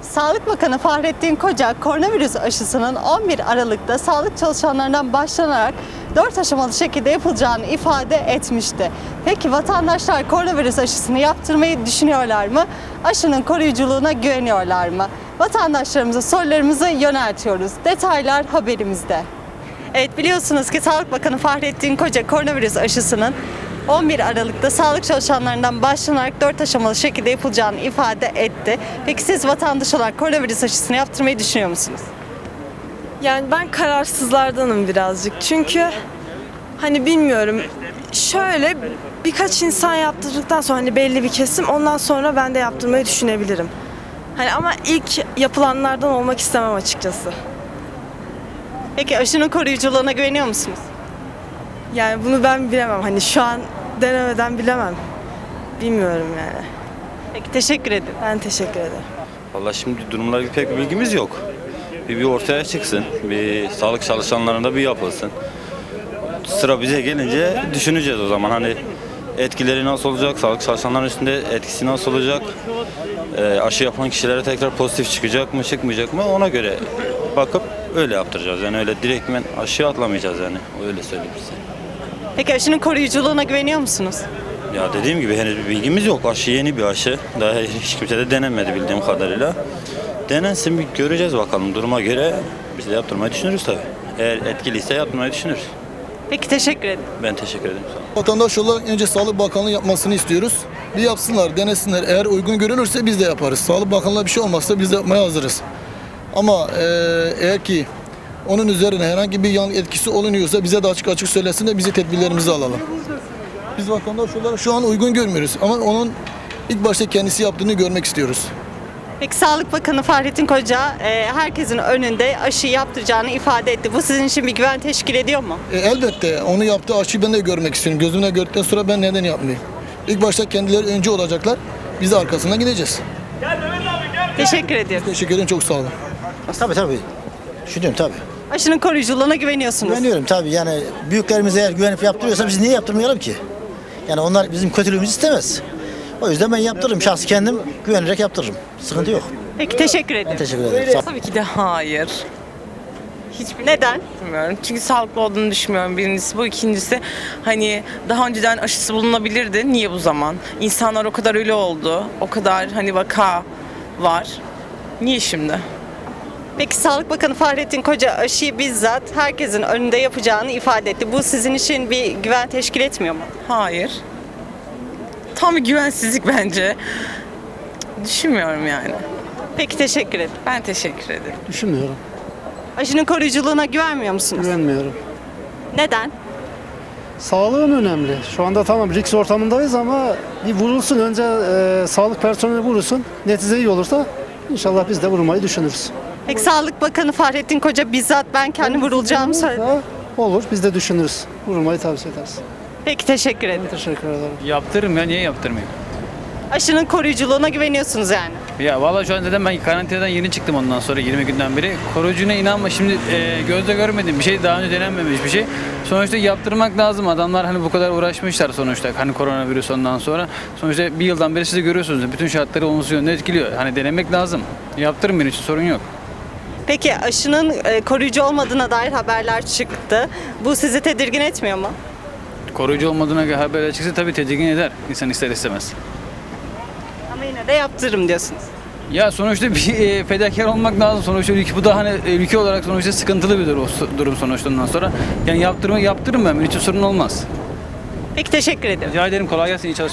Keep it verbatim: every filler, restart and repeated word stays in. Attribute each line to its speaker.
Speaker 1: Sağlık Bakanı Fahrettin Koca, koronavirüs aşısının on bir Aralık'ta sağlık çalışanlarından başlanarak dört aşamalı şekilde yapılacağını ifade etmişti. Peki vatandaşlar koronavirüs aşısını yaptırmayı düşünüyorlar mı? Aşının koruyuculuğuna güveniyorlar mı? Vatandaşlarımıza sorularımızı yöneltiyoruz. Detaylar haberimizde. Evet, biliyorsunuz ki Sağlık Bakanı Fahrettin Koca koronavirüs aşısının on bir Aralık'ta sağlık çalışanlarından başlanarak dört aşamalı şekilde yapılacağını ifade etti. Peki siz vatandaş olarak koronavirüs aşısını yaptırmayı düşünüyor musunuz?
Speaker 2: Yani ben kararsızlardanım birazcık. Çünkü hani bilmiyorum. Şöyle birkaç insan yaptırdıktan sonra hani belli bir kesim ondan sonra ben de yaptırmayı düşünebilirim. Hani ama ilk yapılanlardan olmak istemem açıkçası.
Speaker 1: Peki aşının koruyuculuğuna güveniyor musunuz?
Speaker 2: Yani bunu ben bilemem. Hani şu an denemeden bilemem. Bilmiyorum yani.
Speaker 1: Peki, teşekkür ederim.
Speaker 2: Ben teşekkür ederim.
Speaker 3: Vallahi şimdi durumlarla pek bir bilgimiz yok. Bir, bir ortaya çıksın, bir sağlık çalışanlarında bir yapılsın. Sıra bize gelince düşüneceğiz o zaman hani etkileri nasıl olacak, sağlık çalışanların üstünde etkisi nasıl olacak, e, aşı yapan kişilere tekrar pozitif çıkacak mı, çıkmayacak mı ona göre bakıp öyle yaptıracağız. Yani öyle direktmen aşıya atlamayacağız yani, öyle söyleyeyim size.
Speaker 1: Peki aşının koruyuculuğuna güveniyor musunuz?
Speaker 3: Ya dediğim gibi henüz bir bilgimiz yok. Aşı yeni bir aşı. Daha hiç kimse de denemedi bildiğim kadarıyla. Denensin, bir göreceğiz bakalım duruma göre. Biz de yaptırmayı düşünürüz tabii. Eğer etkiliyse yaptırmayı düşünürüz.
Speaker 1: Peki, teşekkür ederim.
Speaker 3: Ben teşekkür ederim. Sağ olun.
Speaker 4: Vatandaş olarak önce Sağlık Bakanlığı yapmasını istiyoruz. Bir yapsınlar, denesinler. Eğer uygun görülürse biz de yaparız. Sağlık Bakanlığı'na bir şey olmazsa biz de yapmaya hazırız. Ama e, eğer ki onun üzerine herhangi bir yan etkisi olunuyorsa bize de açık açık söylesin de bizi tedbirlerimizi alalım. Biz vatandaş olarak şu an uygun görmüyoruz ama onun ilk başta kendisi yaptığını görmek istiyoruz.
Speaker 1: Peki Sağlık Bakanı Fahrettin Koca e, herkesin önünde aşı yaptıracağını ifade etti. Bu sizin için bir güven teşkil ediyor mu?
Speaker 4: E, elbette onu yaptığı aşıyı ben de görmek istiyorum. Gözümle gördükten sonra ben neden yapmayayım? İlk başta kendileri önce olacaklar. Biz de arkasından gideceğiz.
Speaker 1: Teşekkür ediyorum.
Speaker 4: Teşekkür ederim, çok sağ olun.
Speaker 5: Tabii tabii. Düşünüyorum tabii.
Speaker 1: Aşının koruyuculuğuna güveniyorsunuz.
Speaker 5: Güveniyorum tabii. Yani büyüklerimiz eğer güvenip yaptırıyorsa biz niye yaptırmayalım ki? Yani onlar bizim kötülüğümüzü istemez. O yüzden ben yaptırırım. Şahsi kendim güvenerek yaptırırım. Sıkıntı yok.
Speaker 1: Peki, teşekkür ederim.
Speaker 5: Teşekkür ederim. Sağ olun.
Speaker 6: Tabii ki de hayır. Hiçbir
Speaker 1: Neden?
Speaker 6: bilmiyorum. Çünkü sağlıklı olduğunu düşünmüyorum. Birincisi bu. İkincisi hani daha önceden aşısı bulunabilirdi. Niye bu zaman? İnsanlar o kadar ölü oldu. O kadar hani vaka var. Niye şimdi?
Speaker 1: Peki Sağlık Bakanı Fahrettin Koca aşıyı bizzat herkesin önünde yapacağını ifade etti. Bu sizin için bir güven teşkil etmiyor mu?
Speaker 6: Hayır. Tam bir güvensizlik bence. Düşünmüyorum yani.
Speaker 1: Peki, teşekkür ederim.
Speaker 6: Ben teşekkür ederim.
Speaker 7: Düşünmüyorum,
Speaker 1: Aşının koruyuculuğuna güvenmiyor musunuz?
Speaker 7: güvenmiyorum.
Speaker 1: Neden?
Speaker 7: Sağlığım önemli. Şu anda tamam risk ortamındayız ama bir vurulsun önce e, sağlık personeli vurulsun. Netice iyi olursa inşallah biz de vurmayı düşünürüz.
Speaker 1: Peki Sağlık Bakanı Fahrettin Koca bizzat ben kendi vurulacağımı söyledi.
Speaker 7: Ha, olur biz de düşünürüz. Vurmayı tavsiye ederiz.
Speaker 1: Peki, teşekkür ederim.
Speaker 7: Teşekkür ederim.
Speaker 8: Yaptırırım ya, niye yaptırmayayım?
Speaker 1: Aşının koruyuculuğuna güveniyorsunuz yani.
Speaker 8: Ya vallahi şu an zaten ben karantinadan yeni çıktım ondan sonra yirmi günden beri. Koruyucuna inanma, şimdi e, gözle görmediğim bir şey, daha önce denenmemiş bir şey. Sonuçta yaptırmak lazım. Adamlar hani bu kadar uğraşmışlar sonuçta hani koronavirüs ondan sonra. Sonuçta bir yıldan beri siz de görüyorsunuz bütün şartları olumsuz yönde etkiliyor. Hani denemek lazım. Yaptırın, benim için sorun yok.
Speaker 1: Peki aşının e, koruyucu olmadığına dair haberler çıktı. Bu sizi tedirgin etmiyor mu?
Speaker 8: Koruyucu olmadığına göre haberler çıksa tabii tedirgin eder. İnsan ister istemez.
Speaker 1: Ama yine de yaptırırım diyorsunuz.
Speaker 8: Ya sonuçta bir e, fedakar olmak lazım. Sonuçta ülke, bu da hani e, ülke olarak sonuçta sıkıntılı bir durum, durum sonuçta ondan sonra. Yani yaptırma yaptırırım ben. Benim için sorun olmaz.
Speaker 1: Peki, teşekkür ederim.
Speaker 8: Rica ederim, kolay gelsin, iyi çalışmalar.